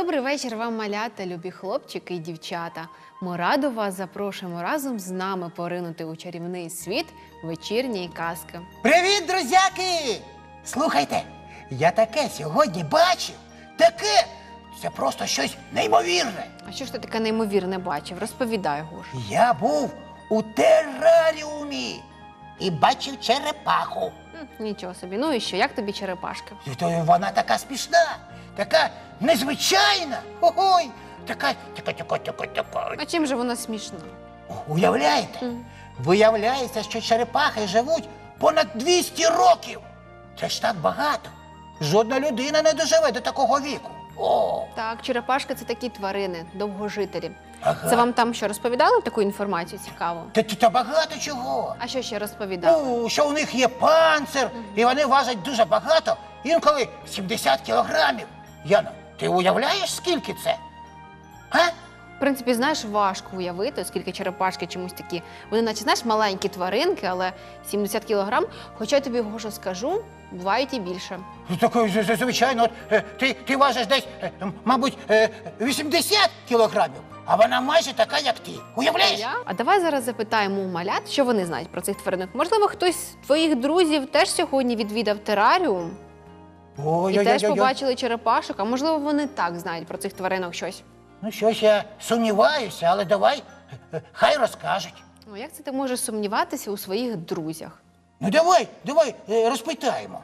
Добрий вечір вам, малята, любі хлопчики і дівчата. Ми радо вас запрошуємо разом з нами поринути у чарівний світ вечірньої казки. Привіт, друзяки! Слухайте, я таке сьогодні бачив. Таке! Це просто щось неймовірне. А що ж ти таке неймовірне бачив? Розповідай, Гош. Я був у тераріумі і бачив черепаху. Нічого собі. Ну і що, як тобі черепашка? І то вона така смішна, така незвичайна. Ой, така. А чим же вона смішна? Уявляєте? Виявляється, що черепахи живуть понад 200 років. Це ж так багато. Жодна людина не доживе до такого віку. О! Так, черепашки – це такі тварини, довгожителі. Ага. Це вам там що, розповідали таку інформацію цікаву? Та багато чого. А що ще розповідали? Ну, що у них є панцир, і вони важать дуже багато, інколи 70 кілограмів. Яна, ти уявляєш, скільки це? А? В принципі, знаєш, важко уявити, оскільки черепашки чомусь такі, вони наче, знаєш, маленькі тваринки, але 70 кілограм, хоча я тобі, Гоша, скажу, бувають і більше. Ну, так, звичайно, от, ти важиш десь, мабуть, 80 кілограмів, а вона майже така, як ти. Уявляєш? А давай зараз запитаємо у малят, що вони знають про цих тваринок. Можливо, хтось з твоїх друзів теж сьогодні відвідав тераріум і теж побачили черепашок, а можливо, вони так знають про цих тваринок щось. Ну, щось я сумніваюся, але давай, хай розкажуть. Ну, як це ти можеш сумніватися у своїх друзях? Ну, давай, розпитаємо.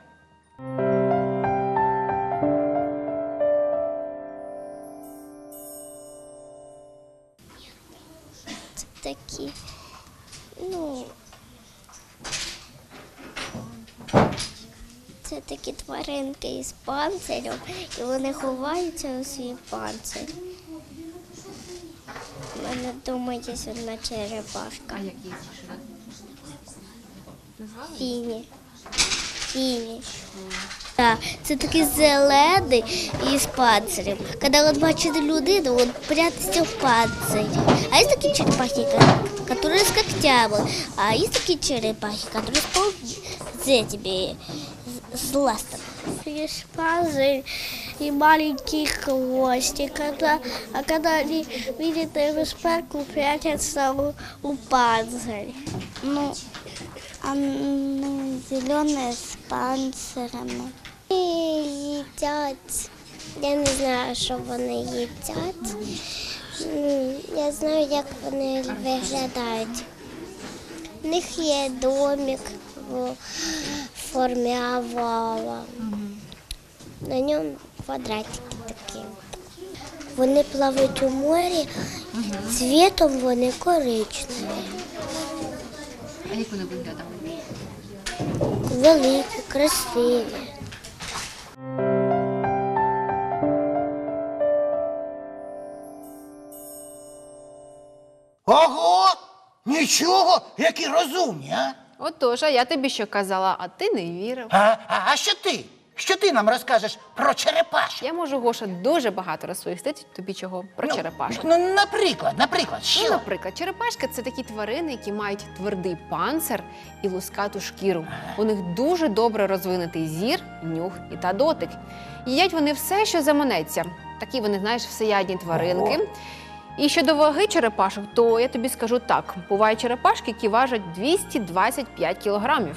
Це такі, це такі тваринки із панцирем, і вони ховаються у свій панцир. У мене вдома є одна черепашка. А які? Фіні. Так, це такий зелений із панцирем. Коли він бачить людину, він прятається в панцирі. А є такі черепахи, які з когтями, а є такі черепахи, які з ластами. Есть панцирь и маленький хвостик, а когда они видят небезпеку, прячутся у панцирь. Зеленые с панцирами. Їдять. Я не знаю, що вони їдять. Я знаю, як вони виглядають. У них є домик в формі овала. На ньому квадратики такі. Вони плавають у морі, цвітом вони коричневі. А як вони виглядають? Великі, красиві. Ого! Нічого, які розумні, а? Отож, а я тобі що казала, а ти не вірив. А що ти? Що ти нам розкажеш про черепашок? Я можу, Гоша, дуже багато розповісти тобі чого про черепашок. Ну, наприклад, що? Ну, наприклад, черепашки – це такі тварини, які мають твердий панцир і лускату шкіру. У них дуже добре розвинутий зір, нюх та дотик. Їдять вони все, що заманеться. Такі вони, знаєш, всеядні тваринки. Ого. І щодо ваги черепашок, то я тобі скажу так. Бувають черепашки, які важать 225 кілограмів.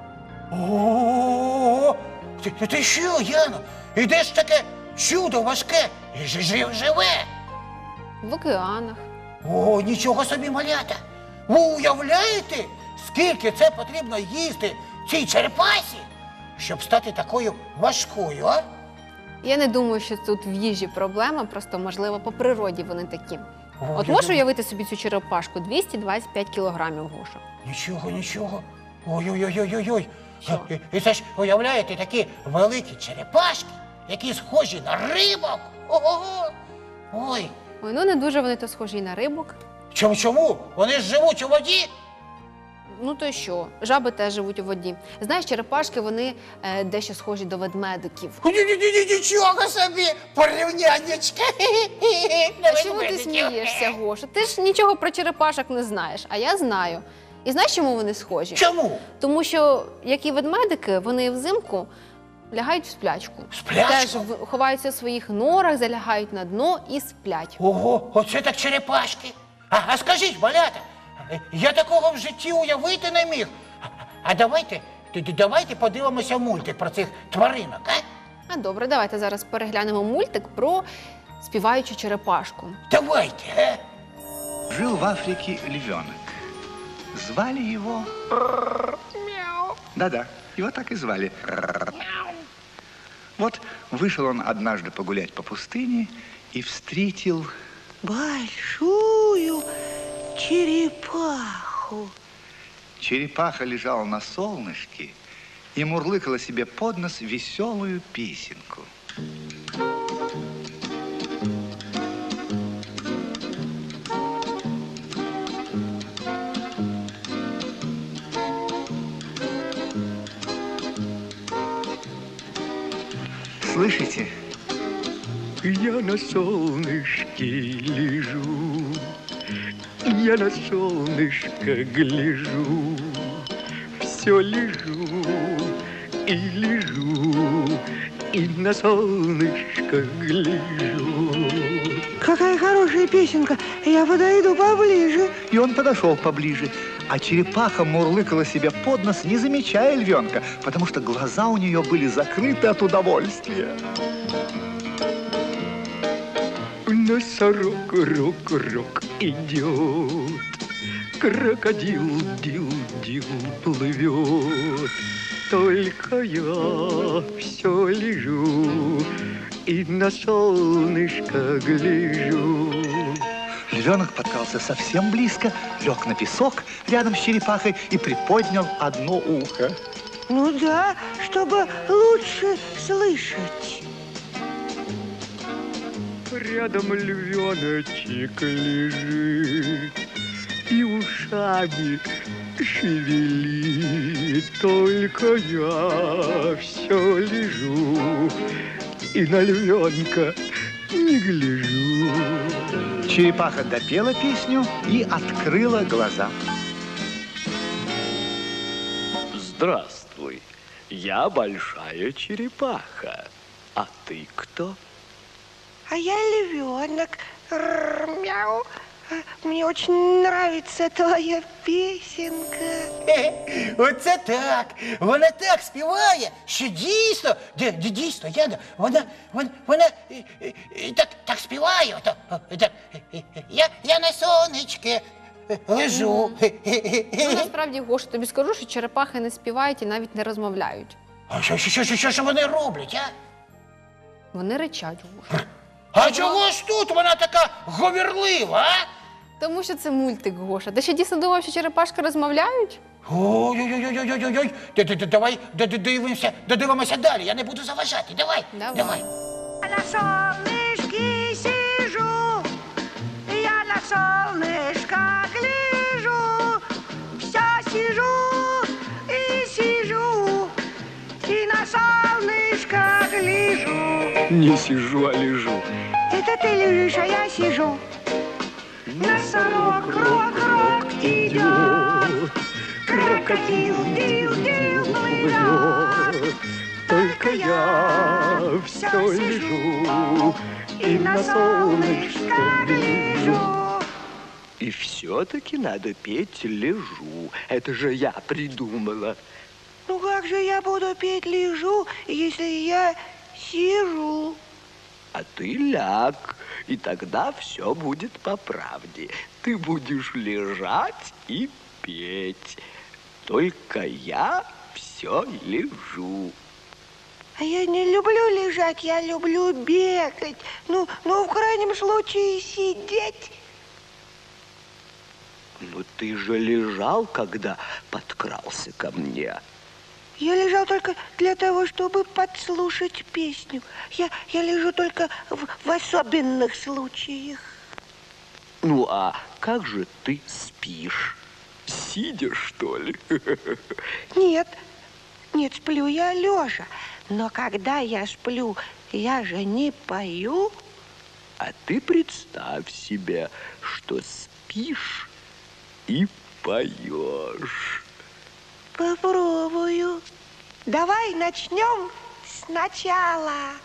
Ого! Ти що, Яно? І де ж таке чудо важке живе? В океанах. О, нічого собі, малята! Ви уявляєте, скільки це потрібно їсти цій черепасі, щоб стати такою важкою, а? Я не думаю, що тут в їжі проблема, просто, можливо, по природі вони такі. От я можеш думаю- уявити собі цю черепашку? 225 кілограмів, Гоша. Нічого. Ой-ой-ой-ой-ой. Що? І це ж, уявляєте, такі великі черепашки, які схожі на рибок. Ого! Ой, Ой, ну не дуже вони то схожі і на рибок. чому? Вони ж живуть у воді. Ну то й що? Жаби теж живуть у воді. Знаєш, черепашки, вони дещо схожі до ведмедиків. Нічого собі, порівняннячка. А чому ти смієшся, Гоша? Ти ж нічого про черепашок не знаєш, а я знаю. І знаєш, чому вони схожі? Чому? Тому що, як і ведмедики, вони взимку лягають в сплячку. В сплячку? Теж ховаються в своїх норах, залягають на дно і сплять. Ого, оце так черепашки. А скажіть, малята, я такого в житті уявити не міг. А давайте подивимося мультик про цих тваринок, а? А добре, давайте зараз переглянемо мультик про співаючу черепашку. Давайте, а? Жил в Африке львенок. Звали его... Да-да, его так и звали. Вот вышел он однажды погулять по пустыне и встретил... Большую черепаху. Черепаха лежала на солнышке и мурлыкала себе под нос веселую песенку. Слышите? Я на солнышке лежу, я на солнышко гляжу, все лежу и лежу, и на солнышко гляжу. Какая хорошая песенка. Я подойду поближе. И он подошел поближе, а черепаха мурлыкала себе под нос, не замечая львенка, потому что глаза у нее были закрыты от удовольствия. Носорог, рок идет, крокодил, дил плывет. Только я все лежу и на солнышко гляжу. Львенок подкрался совсем близко, лег на песок рядом с черепахой и приподнял одно ухо. Ну да, чтобы лучше слышать. Рядом львеночек лежит и ушами шевелит. Только я все лежу и на львенка не гляжу. Черепаха допела песню и открыла глаза. Здравствуй, я большая черепаха. А ты кто? А я львенок. Мяу. Мне очень нравится твоя песенка. Оце так. Вона так співає, що дійсно, дійсно, вона так співає. Я на сонечки лежу. Ну, насправді, Гоша, тобі скажу, що черепахи не співають і навіть не розмовляють. А що вони роблять, а? Вони ричать, Гоша. А чого ж тут вона така говірлива, а? Тому що це мультик, Гоша. Ти ще дійсно думав, що черепашки розмовляють? Ой-ой-ой-ой-ой-ой. Давай додивимося далі, я не буду заважати. Давай. Давай. На солнышке сижу, я на солнышко гляжу, все сижу и сижу, и на солнышко гляжу. Не сижу, а лежу. Это ты лежишь, а я сижу. Носорог, крок идет, крокодил, дил плывет. Только я все лежу и на солнышко гляжу. И все-таки надо петь «Лежу». Это же я придумала. Ну как же я буду петь лежу, если я сижу? А ты ляг, и тогда все будет по правде. Ты будешь лежать и петь. Только я все лежу. А я не люблю лежать, я люблю бегать. Ну, в крайнем случае сидеть. Ну ты же лежал, когда подкрался ко мне. Я лежал только для того, чтобы подслушать песню. Я лежу только в особенных случаях. Ну а как же ты спишь? Сидя, что ли? Нет, сплю я лежа. Но когда я сплю, я же не пою. А ты представь себе, что спишь и поешь. Попробую. Давай начнем сначала.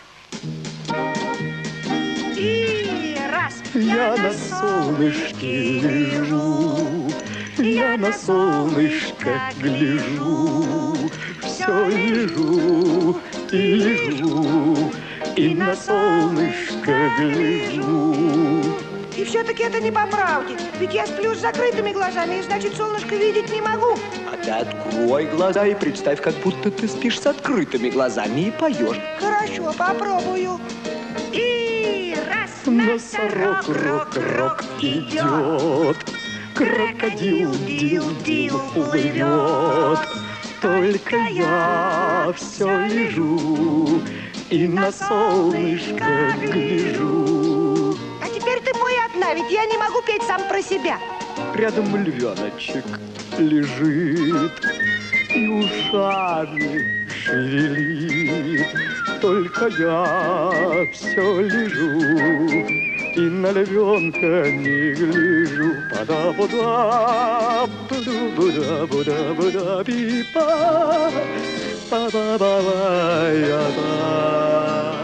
И раз. Я на солнышке лежу, я на солнышко гляжу, все лежу и лежу, и на солнышко гляжу. И все-таки это не по правде. Ведь я сплю с закрытыми глазами, и значит, солнышко видеть не могу. А ты открой глаза и представь, как будто ты спишь с открытыми глазами и поешь. Хорошо, попробую. И раз. Носорог, рок, идет, крокодил, дил, плывет. Только я все лежу и на солнышко гляжу. А теперь ты мой одна, ведь я не могу петь сам про себя. Рядом львеночек лежит и ушами шевелит. Только я все лежу и на львенка не гляжу. Пада-буда, буда-буда-буда, пипа, па-ба-ба-ба-я-ба.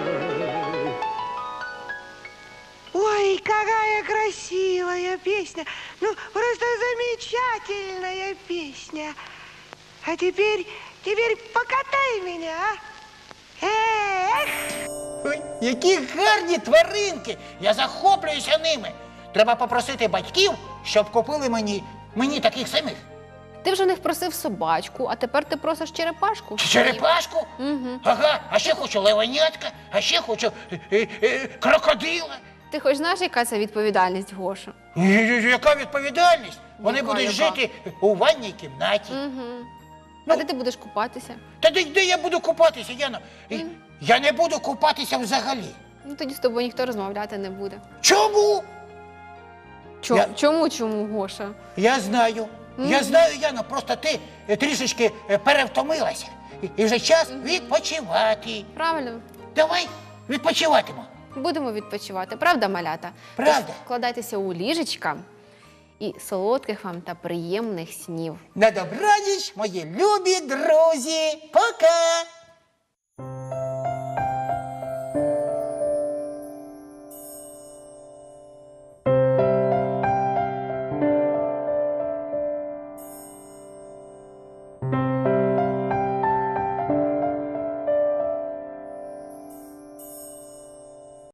Ой, какая красивая песня. Ну, просто замечательная песня. А теперь покатай меня, а? Эх! Ой, які гарні тваринки! Я захоплююся ними. Треба попросити батьків, щоб купили мені таких самих. Ти вже в них просив собачку, а тепер ти просиш черепашку. Черепашку? Угу. Ага, а ще хочу левенятка, а ще хочу крокодила. Ти хоч знаєш, яка це відповідальність, Гоша? Яка відповідальність? Вони Яка, будуть яка? жити у ванній кімнаті. Угу. Ну. А де ти будеш купатися? Та де я буду купатися, Яно? Я не буду купатися взагалі. Ну тоді з тобою ніхто розмовляти не буде. Чому? Я- Чому, Гоша? Я знаю. Я знаю, Яно, просто ти трішечки перевтомилася. І вже час відпочивати. Правильно? Давай відпочиватимо. Будемо відпочивати, правда, малята? Правда. Тож вкладайтеся у ліжечка і солодких вам та приємних снів. На добраніч, мої любі друзі. Пока!